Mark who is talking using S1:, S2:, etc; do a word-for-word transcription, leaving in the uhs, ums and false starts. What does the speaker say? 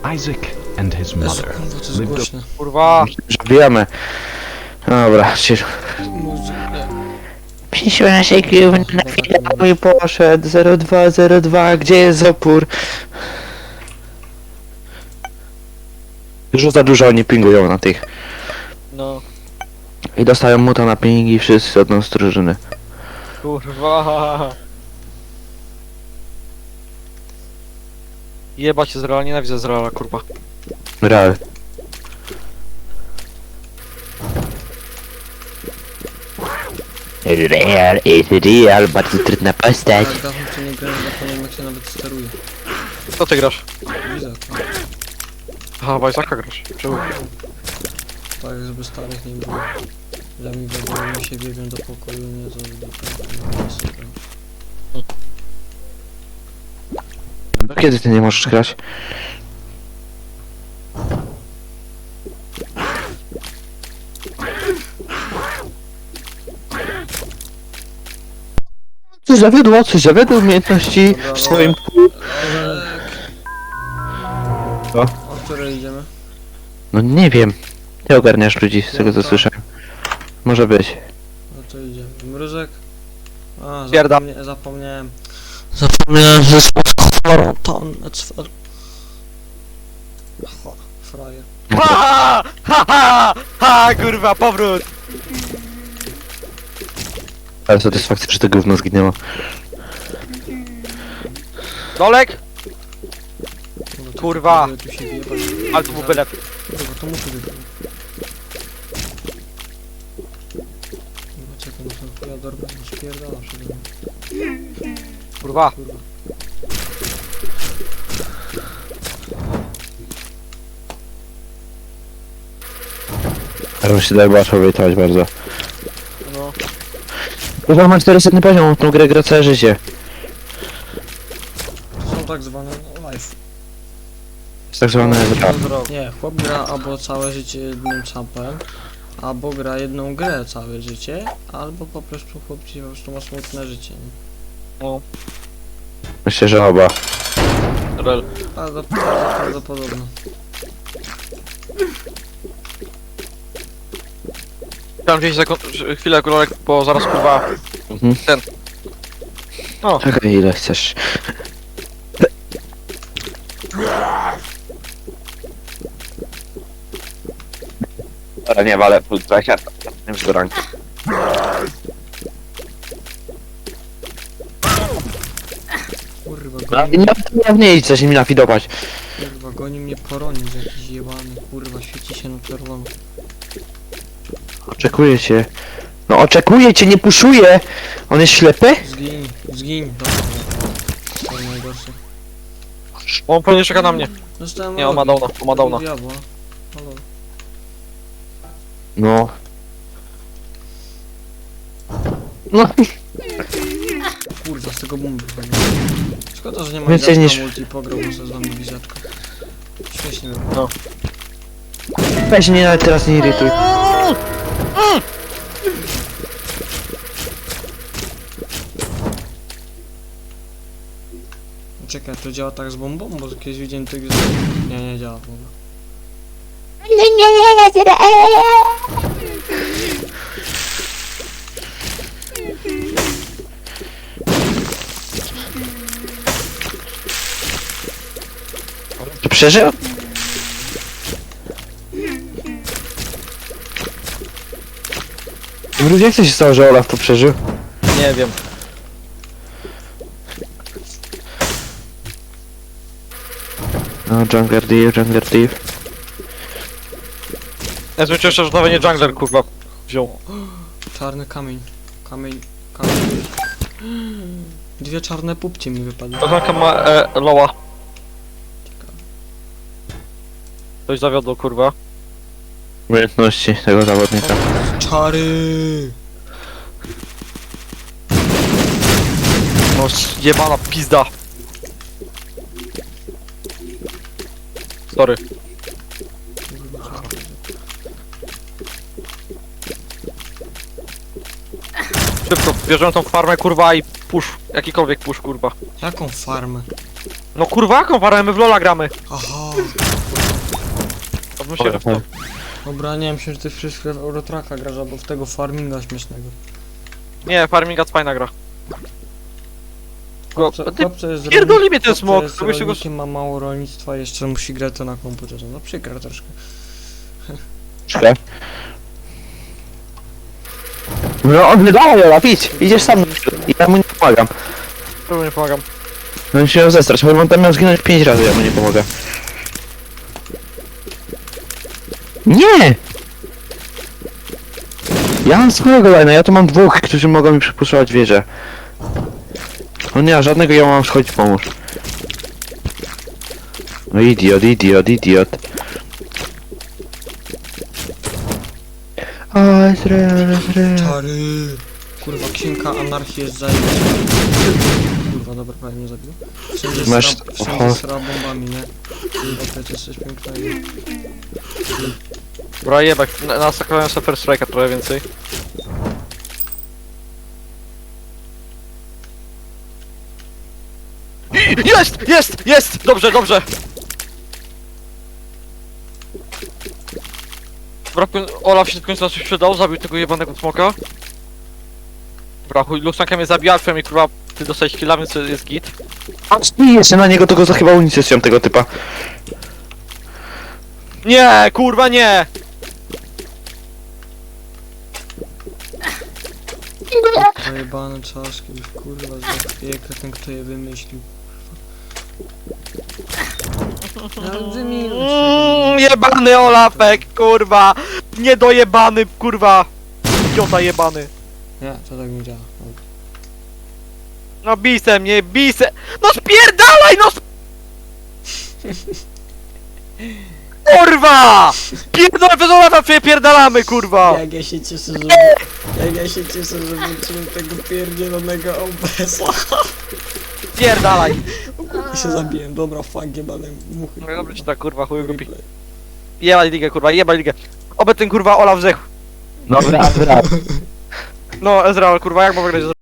S1: Isaac and his
S2: Jezu,
S1: mother
S2: kurwa, to jest
S1: lived
S2: głośne.
S3: Kurwa!
S4: Bijamy. Dobra, cisz.
S2: Muzyka.
S4: piętnaście kiełów na chwilę mój poszedł. zero dwa zero dwa, gdzie jest opór? Już za dużo oni pingują na tych.
S3: No,
S4: I dostają muta na pingi wszyscy od nas z drużyny.
S3: kurwa! Jebać się z Reala, nienawidzę z Reala, kurwa.
S4: Real. Real is real, bardzo trudna postać.
S2: Jak dawno w to nie grałem, zapomniałem jak się nawet steruje.
S3: Co ty grasz?
S2: Widzę to.
S3: Aha, w Isaaca grasz. Czemu?
S2: Tak, żeby starych nie było. Ja mi wiadomo, mi się biegłem do pokoju, nie za do tego. Super.
S4: Do kiedy ty nie możesz grać? Coś zawiodło, coś zawiodło umiejętności w swoim... Co?
S2: O której idziemy?
S4: No nie wiem. Ty ogarniasz ludzi, z tego co słyszałem. Może być.
S2: No to idziemy. Mróżek? A,
S3: Pierda.
S2: zapomnie, zapomniałem. Zapomniałem, że jest tam Cfer. Frajer.
S3: Ha! Ha! Ha! Ha! Kurwa, powrót!
S4: Ale satysfakcja, że to gówno zginęło.
S3: Dolek!
S2: No to-
S3: Kurwa.
S2: Tu się wjebać.
S3: Ale to był byle.
S2: Kurwa, to muszę wybrać. Kurwa, czekaj, no to chuja dorwę, no spierdala przede mną.
S3: Kurwa.
S2: Kurwa.
S4: Ale się daje łatwo wejtować bardzo.
S3: No.
S4: Kurwa, ma czterysta poziom, tą grę gra całe życie.
S2: To są tak zwane no, life.
S4: Jest tak zwane gra.
S2: Nie, chłop gra albo całe życie jednym czapem, albo gra jedną grę całe życie, albo po prostu chłop ci po prostu ma smutne życie. Nie?
S3: No.
S4: Myślę, że oba.
S3: Rel.
S2: Bardzo, bardzo prawdopodobne.
S3: Chciałem wziąć sekund... chwilę, Dolek, bo zaraz kurwa...
S4: Mhm.
S3: Ten. O.
S4: Czekaj, ile chcesz. Ale nie, ale plus dwadzieścia, już do ranki.
S2: Kurwa,
S4: No,
S2: goni,
S4: nie, nie, nie idź, coś mi nafidować.
S2: kurwa, goni mnie poronić jakiś jebany, kurwa, świeci się na czerwono.
S4: Oczekuję cię. No oczekuję cię, nie puszuję! On jest ślepy?
S2: Zgiń, zgiń, dobra. To jest najgorsze.
S3: On pewnie czeka na mnie.
S2: Dostałem
S3: Nie, on ma downa, on ma downa.
S2: Diabła. Halo.
S4: No. No,
S2: Kurwa, z tego bumby wychodzi. Szkoda, że nie ma
S4: Więcej
S2: Więcej
S4: niż-
S2: multi, pograł se z nami wizaczka. Śmiesznie było.
S3: No.
S4: weź mnie nawet teraz nie irytuj.
S2: Czekaj, to działa tak z bombą? Bo kiedyś widziałem tych... Nie, nie działa w ogóle.
S4: To przeżył? Ludzie, jak to się stało, że Olaf to przeżył?
S3: Nie wiem.
S4: No, Jungler Thief, Jungler Thief.
S3: Ja myślę jeszcze, że nawet nie jungler kurwa wziął.
S2: Czarny kamień. Kamień... Kamień... Dwie czarne pupcie mi wypadły.
S3: Oznaka ma e, loa. Coś zawiodło kurwa.
S4: Umiejętności tego zawodnika.
S2: Czary!
S3: No jebana pizda. Sorry. Szybko, bierzemy tą farmę kurwa i push. Jakikolwiek push kurwa.
S2: Jaką farmę?
S3: No kurwa, jaką farmę? My w Lola gramy.
S2: Aha!
S3: Odmów się.
S4: Dobra.
S2: Dobra, nie wiem, myślę, że ty wszystko w Eurotraka grasz, albo w tego farminga śmiesznego.
S3: Nie, Farminga to fajna gra. Go,
S2: Chłopcze,
S3: ty
S2: chłopcze jest
S3: pierdoli mnie ten
S2: chłopcze
S3: smok,
S2: jest
S3: to byś go...
S2: rolnikiem, ma mało rolnictwa, jeszcze musi grać to na komputerze. No przykre troszkę.
S4: Czekaj. No on wydaje, Olaf, idź, idziesz sam. I ja mu nie pomagam.
S3: Próbuję, nie pomagam.
S4: No on się miał zestrać, choć on tam miał zginąć pięć razy, ja mu nie pomogę. Nie! Ja mam swojego lina, ja tu mam dwóch, którzy mogą mi przypuszczać wieżę. On nie ma żadnego, ja mam schodzić pomóż. No idiot, idiot, idiot. O, Ezreal, Ezreal.
S2: Czary! Kurwa, księga anarchii jest zajebista. Kurwa, dobra, prawie mnie zabił. Wszędzie
S4: Masz-
S2: sra,
S4: oho.
S2: wszędzie sra bombami, nie? Kurwa, to jest coś pięknego.
S3: Dobra, jebak, na- nasakowałem sobie First Strike'a trochę więcej. Jest! Jest! Jest! Dobrze, dobrze! Dobra, w koń- Olaf się w końcu na coś przydał, zabił tego jebanego smoka. Dobra, chuj, Luxanka mnie zabija, Alfia mi kurwa, ty dostałeś killa, więc jest git.
S4: Nie jeszcze na niego, tylko za chyba unicestwiam tego typa.
S3: Nie, kurwa nie!
S2: Zajebane czaszki, już kurwa, za piekę ten kto je wymyślił. Ale wymienił
S3: Mm, jebany Olafek, kurwa! Niedojebany, kurwa! Idiota jebany.
S2: Nie, to tak nie działa.
S3: No bise mnie, bise! No spierdalaj, no sp... Kurwa! Pierdolę bez Olafa, przepierdalamy, kurwa!
S2: Jak ja się cieszę, że... Jak ja się cieszę, że włączyłem tego pierdzielonego O B S-a.
S3: Spierdalaj!
S2: I się zabiłem, dobra, fuck, jebane muchy.
S3: No dobrze ci tak, kurwa, chuj głupi. Jebaj ligę, kurwa, jebaj ligę. Oby ten kurwa Olaf zdechł.
S4: Dobra, dobra.
S3: No Ezreal, kurwa, jak mam wygrać z